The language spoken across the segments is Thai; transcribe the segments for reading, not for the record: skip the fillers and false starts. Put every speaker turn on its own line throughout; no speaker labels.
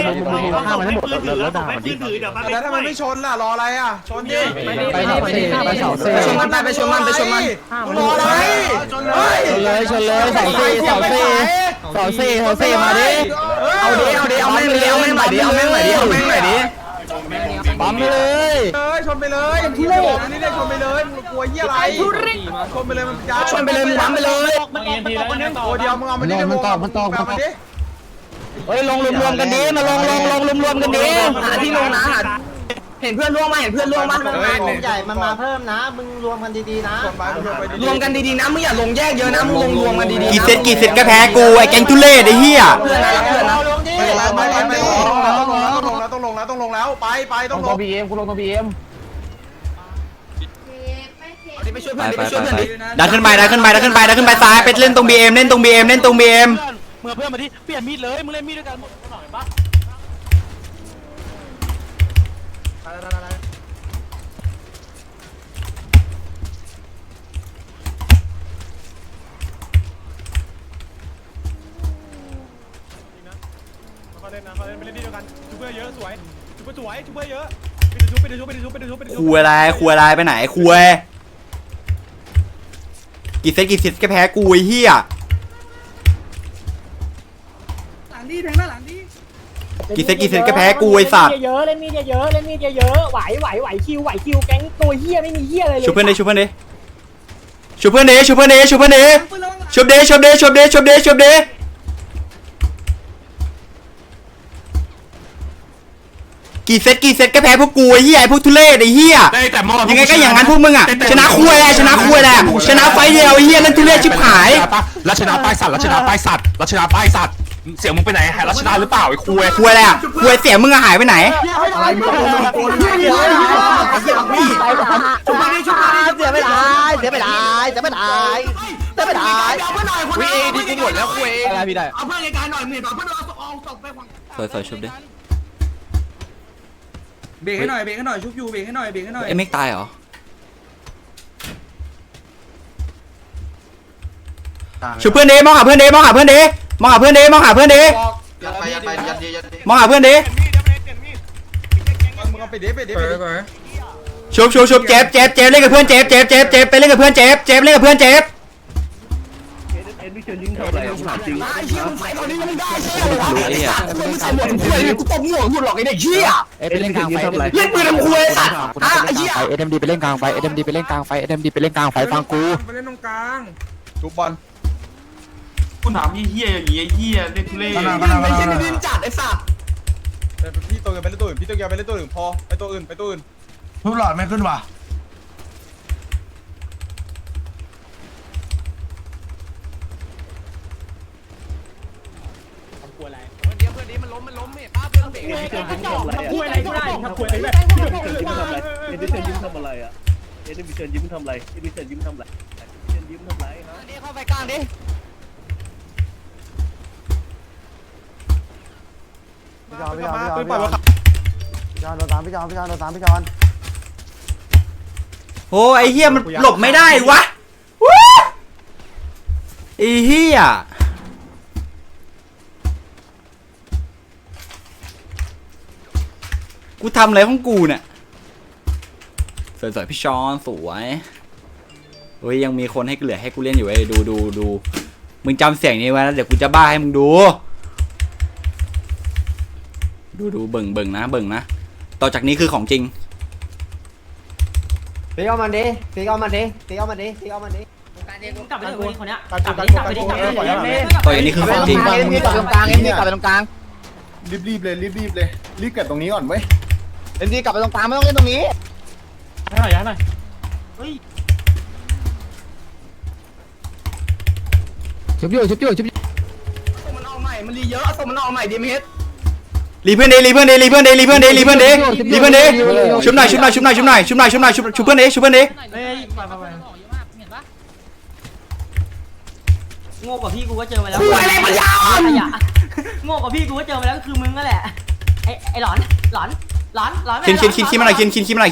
ข้ามมาให้หมดแล้วด่ามันดิแล้วถ้ามันไม่ชนล่ะรออะไรอ่ะชนดิไปเสาเซ่ชนมันไปชนมันรออะไรชนเลยเสาเซ่มาดิเอาแม่งใหม่ดิปั๊มไปเลยชนไปเลยทุเรศนี่ได้ชนไปเลยมึงกลัวเหี้ยอะไรชนไปเลยมันจ้าชนไปเลยมึงปั๊มไปเลยตัวเดียวมึงเอามันดิมันตอกเฮ้ยลงรวมกันดิมาลงรวมกันดิหาที่ลงนะเห็นเพื่อนร่วงมา
ใหญ่มันมาเพิ่มนะมึงรวมกันดีๆนะ
รวมกันดีๆนะมึงอย่าลงแยกเยอะนะมึงลงรวมกันดีๆ
กี่เซตก็แพ้กูไอ้แก๊งทุเล่ไอ้เหี้ย
ต้องลงแล้วไปต้องลงบีเอ็มกูลงตัวบีเอ็มไปช่วยเพื่อนดิ
ดันขึ้นไปซ้ายไปเล่นตรงบีเอ็มเล่นตรงบีเอ็ม
เมื่อเพื่อนมาที่เปลี่ยนมีดเลยมึงเล่นมีดด้วยกันหน่อยปะเขาเล่นไปเล่นมีดด้วยกันชูเพื่อเยอะสวยชูเพื่อเยอะไปดูชุบ
คุยอะไรไปไหนคุยกี่เซตก็แพ้กูไอ้เหี้ยกี่เซตก็แพ้กูไอ้สัตว์
เยอะเล่นมีดเยอะไหวคิวแก๊งตัวเหี้ยไม่มีเหี้ยอะไรเลย
ชุบเพื่อนเดกี่เซตก็แพ้พวกกูไอ้เหี้ยไอ้พวกทุเรศไอ้เหี้ยยังไงก็อย่างนั้นพวกมึงอ่ะชนะคุยแหละชนะไฟเดียวไอ้เหี้ยนั่นทุเรศชิบหาย
รัชนาป้ายสัตว์เสียงมึงไปไหนรัชนาหรือเปล่าไอ้คุย
อะไรอ่ะคุยเสียงมึงหายไปไหน
วีดีกูหมดแล้วคุยอะไรพี่ได้
เอาเพื่อนในการหน่อยมึงเอาเพื่อนเอาศพไป
สวยชุบดิ
เบรกให้หน่อยชุบอยู่เบรกให้หน่อย
เอ็มเอ็กตายเหรอชุบเพื่อนเดมองหาเพื่อนเดมองหาเพื่อนเดชุบเจ็บเล่นกับเพื่อนเจ็บไปเล่นกับเพื่อนเจ็บเล่นกับเพื่อนเจ็บ
กูตบหัวหยุดหรอกไอ้เด็กเหี้ย
ไปเล่นกลางไฟ
เล่นปืนทำคุยสัตว์ไอ้เหี้ย
SMD ไปเล่นกลางไฟSMD ไปเล่นกลางไฟฟังกู
ไปเล่นตรงกลางทุบบอล
คุณถามเหี้ยอย่างเงี้ยเหี้ยเล่นทุเล่
ไม่ใช่ดินจัดไอ้สัตว์พี่ตัวอื่นไปเล่นตัวอื่นพี่ตัวเกียวไปเล่นตัวอื่นพอไปตัวอื่น
ทุบหลอดไม่ขึ้นว่ะ
คุยอะไรก็ได้ครับคุยอะไร
เอ็นดิเซนยิ้มทำอะไรอ่ะเอ็นดิเซนยิ้มทำอะไรฮะนี่
เข้าไปกลางดิ
พี่จอน
โอ้ไอ้เหี้ยมันหลบไม่ได้วะไอ้เหี้ยกูทำอะไรของกูเนี่ยสวยพี่ชอนสวยเฮ้ยยังมีคนให้เหลือให้กูเล่นอยู่ไอ้ดูมึงจำเสียงนี้ไว้แล้วเดี๋ยวกูจะบ้าให้มึงดูเบิ่งนะต่อจากนี้คือของจริง
ตีเอามันดิกลับไปเลยคนเนี้ยกลับไป
ต่อจากนี้คือของจริง
กลับไปตรงกลาง
รีบเลยรีบเก็บตรงนี้ก่อนเว้ย
กลับไปตรงกลางไม่ต้องเล่นตรงนี้
ย้ายหน่อย
ชุบอยู่
มันออกใหม่มันรีเยอะส่งมันออกใหม่ดีมั้ย
รีเพื่อนเดชุบหน่อยชุบเพื่อนเด
เห็นปะโง่กว่าพี่กูก็เจอมาแล้วโง่กว่าพี่กูก็เจอมาแล้วก็คือมึงนั่นแหละไอ้หลอน
คินมาหน่อยคิน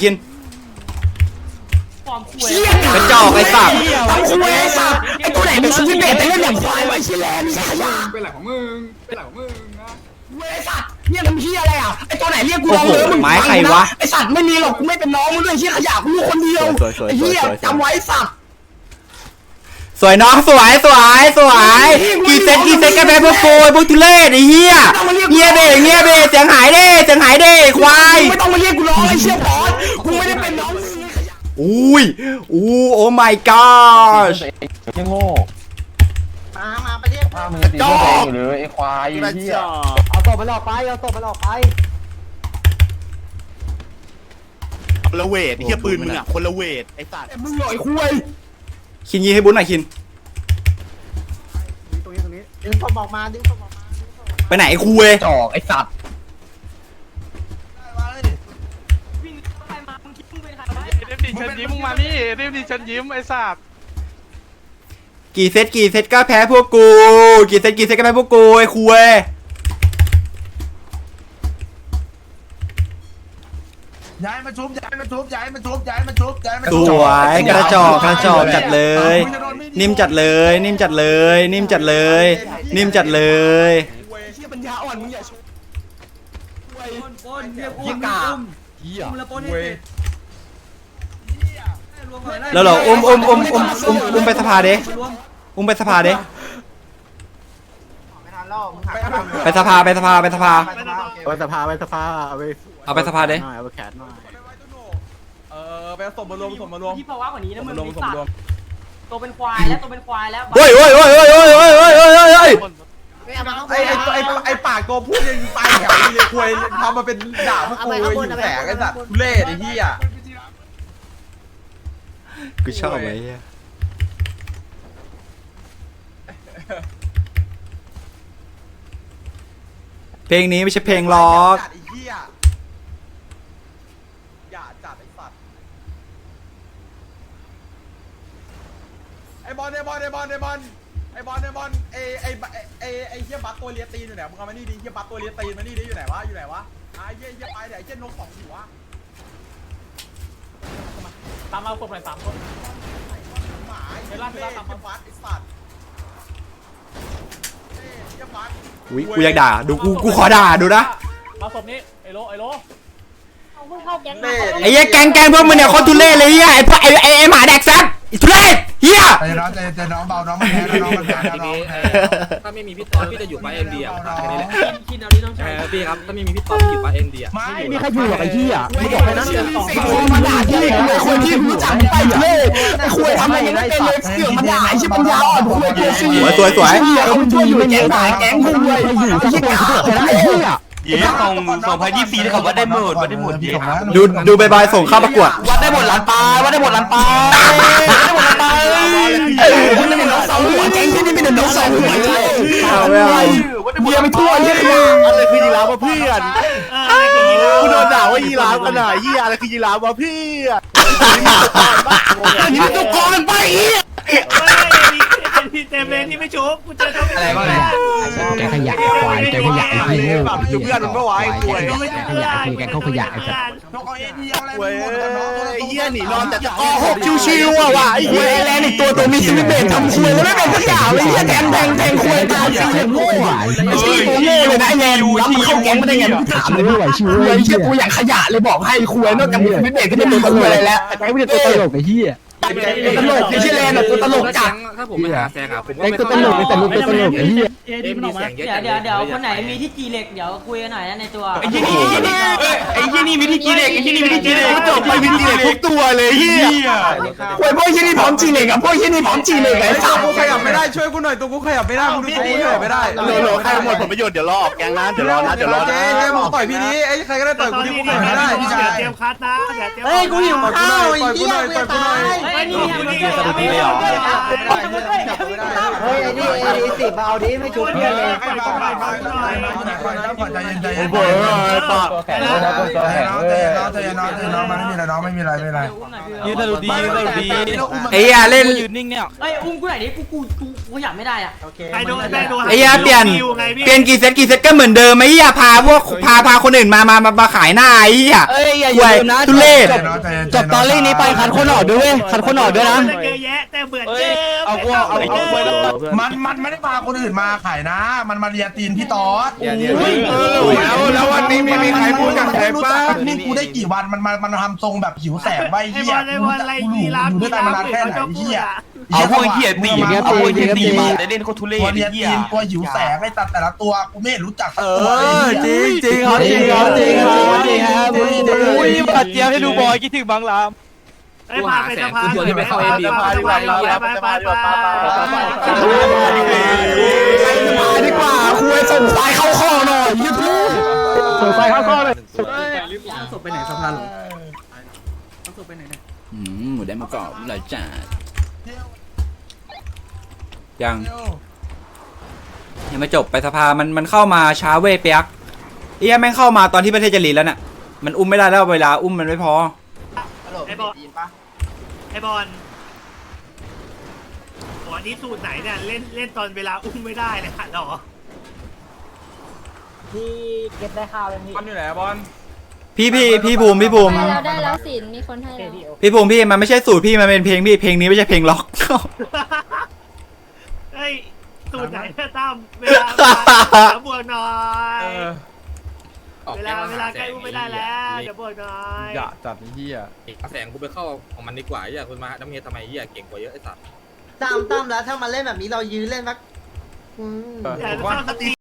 ความคุย
กระจอกไอ้สัตว์
ไอ้ตัวไหนเป็นซูเปอร์เบสแต่เล่นอย่างควายไว้ชิแลนด์
เป็นหลักของมึงนะ
เว้ยสัตว์
เนี่ยมันเฮียอะไรอ่ะไอตัวไหนเรียกกู
โอ้โหไม้ใครวะ
ไอสัตว์ไม่มีหรอกกูไม่เป็นน้องมึงด้วยเฮียขยะกูคนเดียว
สวยๆๆๆๆ
ไอเฮียจำไว้สัตว์
สวยน้องสวยกี่เซตกันไปพวกโกยพวกทุเรศไอ้เหี้ยเงียบเบ้เสียงหายเด้ควาย
ไม่ต้องมาเรียกกูน้องไอเชี่ยบอสกูไม่ได้เป็นน้อง
อุ้ยโอ้ my gosh
มาไปเรียก
จอก
เอาศพมันออกไปเอาศพมันออกไป
คนละเวทเฮียปืนมึงอ่ะคนละเวทไอ้สัตว์
มึงหน่อยคุย
คินยิงให้บุญหน่อยคิน
ดึงศพออกมาดึงศพออกมา
ไปไหนไอ้คุย
จอกไอสัตว์
เดฟดิฉันยิ้มมึงมานี่เดฟดิฉันยิ้มไอ้สัตว์
กี่เซตก็แพ้พวกกูกี่เซตก็แพ้พวกกูไอ้คุย
ย้ายมาชุบ
สวยกระจอกจัดเลย นิ่มจัดเลย
เชี่ยปัญญาอ่อนมึงอย่าชุบยี่กา
แล้วเหรออุ้มไปสภาเด้อุ้มไปสภาเด้
ไม่ทันแล้วมึงหัก
ไปสภา
ไปสภาเอาไป
เอาไปสภาเด้
เอาไปแคทหน่อย
ไปเอาศพมารวม
ที่ภาวะกว่านี้นะมึงไอ้สัตว์ตัวเป็นควายแล้วตัวเป็นควายแล้ว
เฮ้ย
ไอ้ปากตัวพูดยังตายแถวเลยคุยทำมาเป็นด่าพวกกูอยู่แสงไอ้สัตว์ทุเล่ไอ้เหี้ย
กูชอบไอ้เหี้ยเพลงนี้ไม่ใช่เพลงล็อก
ไอ้เหี้ยอย่าจัดไอ้สัตว์ไอ้บอลไอ้เหี้ยบัตตัวเลียตีนอยู่ไหนมึงเอามานี่ดิเหี้ยบัตตัวเลียตีนมานี่ดิอยู่ไหนวะไอ้เหี้ยไปเดี๋ยวไอ้เหี้ยนกสองหัว
ตามมาศพหน่อย3 คน
หมาไอ้เหี้ยบัตไอ้สัตว์เหี้ยบัต
อุ้ยกูอยากด่าดูกูขอด่าดูนะ
มาศพนี้ไอ้โล
เอาเพิ่งเข้าแก๊งมา
ไอ้เหี้ยแกงพวกมึงเนี่ยโคตรทุเรศเลยเหี้ยไอ้พวกไอ้หมาแดกซัดทุเรศเหี้ย
ใจน้องเบาน้องมันแพ้น้องมันแพ้น้อง
ถ้าไม่มีพี่ต๊อดพี่จะอยู่ป้าเอ็มดีอ่ะแค่นี้แหละ
คิดเอาดิน้องชาย
พี่ครับถ้าไม่มีพี่ต๊อดพี่อยู่ป้าเอ็มดีอ่ะ
ไม่มีใครอยู่หรอกไอ้เหี้ยไม่บอกเลยนะไอ้คนมาด่าที่ไอ้คนที่รู้จักไปเลยไอ้คุยทำอะไรไม่เป็นเลยเสือกมาด่าไอ้ชิปัญญาอ่อนคุยตัวซี
สวย
เหี้ยคนช่วยอยู่แก๊งด่าแก๊งคุยอยู่ไอ้เหี้ยไอ้เหี้ย
เย้2024ได้คำว่าได้หมดเย้
ดูบายส่งเข้าประกวด
วัดได้หมดล้านปลายวัดได้หมดล้านปลายคุณนี่เป็นน้องสาวหัวแก๊งที่นี่เป็นน้องสาวหัวเบียร์ไปทั่วเหี้ย
อะไรคือยีราฟวะเพื่อนกูโดนด่าว่ายีราฟกันหน่อยเฮียอะไรคือยีราฟวะเพื่อน
นี่เป็นตัวกองไปเหี้ย
พี่เต็มเลยที่ไม่ชุบกูเจอเขา
อะไรวะแกขยะควายแกขยะไอ้เหี้ย
ดูเพื่อนมันไม่ไหวกู
แกขยะแกเข้าขยะไอ้สัส
เว้ยไอ้เฮียหนีนอนแต่จะ
ก็หกชิวๆอ่ะว่ะไอ้เหี้ยแรงอีกตัวมีชีวิตเบรทำคุยแล้วไม่เป็นสักอย่างเลยเหี้ยแทงคุยตายสิเหี้ยโง่ไอ้ชี้ตัวโง่เลยนะไอ้แนนรับมันเข้าแก๊งมาได้ไงมึงถามเลยไม่ไหวชิวเลยเหี้ยกูอยากขยะเลยบอกให้คุยนอกจากมีชีวิตเบรก็จะมีตัวอะไรแล้วไอ้ไม่ได้ตัวตลกไอ้เหี้ยตลกไอ้เหี้ยแรงตัวตลกจัด
ถ้าผมไปหาแซงอ่ะผม
ไอ้ตัวตลกแต่ลูกตัวตลกไอ้เหี้ย
เอ็มดีเสียงเยอะ
เดี๋ยวคนไหนมีที่จีเหล็กเดี๋ยวคุยกันหน่อยนะในตัว
ไอ้เฮียนี่มีที่กีเด็กไอ้เฮียนี่มีที่กีเด็กจบไปมีที่เด็กทุกตัวเลยเฮีย
โอ้ยพวกเหี้ยนี่พร้อมจีเลยกับพวกเหี้ยนี่พร้อมจีเลยไอ้สัส
กูขยับไม่ได้ช่วยกูหน่อยตัวกูขยับไม่ได้มึงดูตัวกูขยับไม่ได้
โหลใครหมดผลประโยชน์เดี๋ยวรอออกแกงนะเดี๋ยวรอนะ
เจ๊มึงต่อยพี่นี้ไอ้ใครก็ได้ต่อยกูที่กูขยับไม่ได้พี่ชาย
เตรียมคัดนะอย่าเตรียม
เฮ้ยกูหิวข้าวไอ้เหี้ยกูจะตาย
เฮ้ยนี่
เฮ้ยไอ้นี่ไอ้สิบเอาดิไม่ชุบเพื่อนเลย
โอ้โหปาก
ยืนตะลุดี
ไอ้เหี้ยเล่น
ยืนนิ่งเนี่ย
เฮ้ยอุ้มกูไหนดิกูอยากไม่ได้อ่ะ
ใครโดนแม่โดน
ไอ้เหี้ยเปลี่ยนกี่เซตก็เหมือนเดิมไอ้เหี้ยพาคนอื่นมาขายหน้าไอ้เหี้ย
เอ้ยอย่า
ควย
ลืมนะ
ทุเรศ
จบตอนเรื่องนี้ไปคัดคนออกด้วยเว้ยคัดคนออกด้วยนะ
เยอะแยะแต่เหมือน
เฮ้ย
เดิม
เอาไปแล้ว
มันไม่ได้พาคนอื่นมาขายนะ มันมาเรียตีนพี่ตอส
แล้ววันนี้มีใครพูดกับใครป้า
นี่กูได้กี่วันมันทำทรงแบบหิวแสงไว้
ไอ้
เหี้
บ
ย
อลไอ้บอลอะไรยีราฟ
อยู่ด้วยกันมานานแค่ไหน
เขาจะพู
เหี้
ด
ย
อ่ะ
เอาพวกเหี้ยตี
เอาพวกเหี้ยตีมา
เล่นโคตรทุเรศ
ตัวเรียตีนตัวหิวแสงไอ้แต่ละตัวกูไม่รู้จักสักตัวเลย
จริงจริงครับจริงครับจริงครับจริงครับ
อุ้ยปัดเจียวให้ดูบอยคิดถึงบางลาม
ไอ้พาไปสะพาน
ตัวที่ไปเข้าเอ็นดี
ไป
ดีกว่าคุยส่งสายเข้าข้อหน่อยยึดลูกส่งสายเข้าข้อเลย
ศพไปไหนสะพานหรอ
หมูได้มากรอบหลายจานยังไม่จบไปสภามันเข้ามาช้าเว้ยเปียกเอี้ยแม่งเข้ามาตอนที่ประเทศจะรีแล้วน่ะมันอุ้มไม่ได้แล้วเวลาอุ้มมันไม่พอ
ไอ้บอลไอ้บอลวันนี้สูตรไหนเนี่ยเล่นตอนเวลาอุ้มไม่ได้เลยหรอ
ที่เก็บได้ข้าวเลยพี่
บอลอยู่ไหนบอล
พี่ภูมิ
ได้แล้วสินมีคนให้แล้ว
พี่ภูมิพี่มันไม่ใช่สูตรพี่มันเป็นเพลงพี่เพลงนี้ไม่ใช่เพลงล็อก
เฮ้ยสูตรไหนเนี่ยตั้มเวลาบวกหน่อยเวลาใกล้อุ้มไม่ได้แล้วเดี๋ยวบวกหน่อย
อย่าจัดเฮีย
แสงกูไปเข้าของมันดีกว่าอย่าคุณมาน้ำเมียทำไมอย่าเก่งกว่าเยอะไอ้สัตว์
ตั้มแล้วถ้ามาเล่นแบบนี้เรายื้อเล่นสัก
อย่าเข้าสตรี